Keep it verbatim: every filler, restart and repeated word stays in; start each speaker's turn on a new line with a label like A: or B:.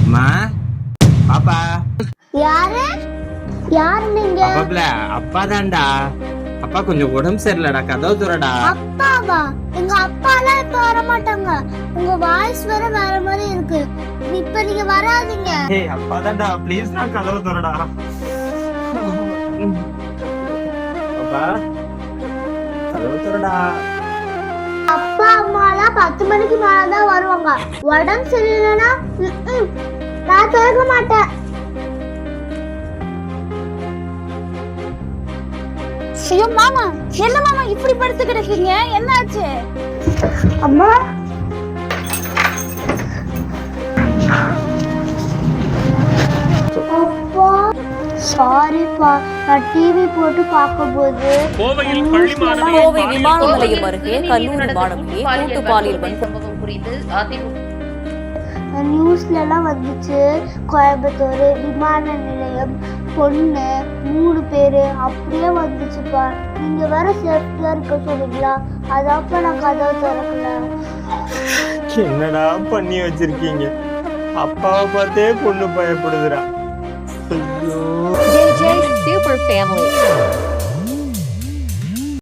A: அம்மா பாப்பா
B: யாரு யாரு நீங்க?
A: பாப்பாப்ல அப்பா தான்டா. அப்பா கொஞ்சம் உடம்பு சரியில்லடா, கதவு துறடா.
B: அப்பாவா? எங்க அப்பா எல்லாம் இப்ப வர மாட்டாங்க. உங்க வாய்ஸ் வேற வேற மாதிரி இருக்கு. இப்ப நீங்க வராதீங்க.
A: ஏய் அப்பா தான்டா, ப்ளீஸ் நான் கதவு துறடா. பாப்பா கதவு துறடா.
B: அப்பா அம்மா எல்லாம் பத்து மணிக்கு மேலதான் வருவாங்க. உடம்பு சரியில்லைன்னா நான் திறக்க மாட்டேன்.
C: ஐயோ மாமா, என்ன மாமா இப்படி படுத்து கிடக்கீங்க? என்னாச்சு?
B: அம்மா அப்பா சாரிப்பா, நான் டிவி போட்டு பார்க்கும்போது
D: கோவையில் பள்ளி மாணவி
E: கோவை விமான நிலையம் அருகே கல்லூரி மாணவியை கூட்டு பாலியல்
F: சம்பவம் குறித்து அதிமுக
B: நியூஸ்ல எல்லாம் வந்துச்சு. கோயம்புத்தூர் விமான நிலையம் பொண்ணு மூணு பேரு அப்படியே வந்துச்சுப்பா. நீங்க வேற சேஃப்டியா இருக்க சொன்னீங்களா, அதாப்ப நான் கதவை திறக்கல.
A: என்னடா பண்ணி வச்சிருக்கீங்க? அப்பாவை பார்த்தே பொண்ணு பயப்படுதுடா. ஐயோ
E: J J Super Family.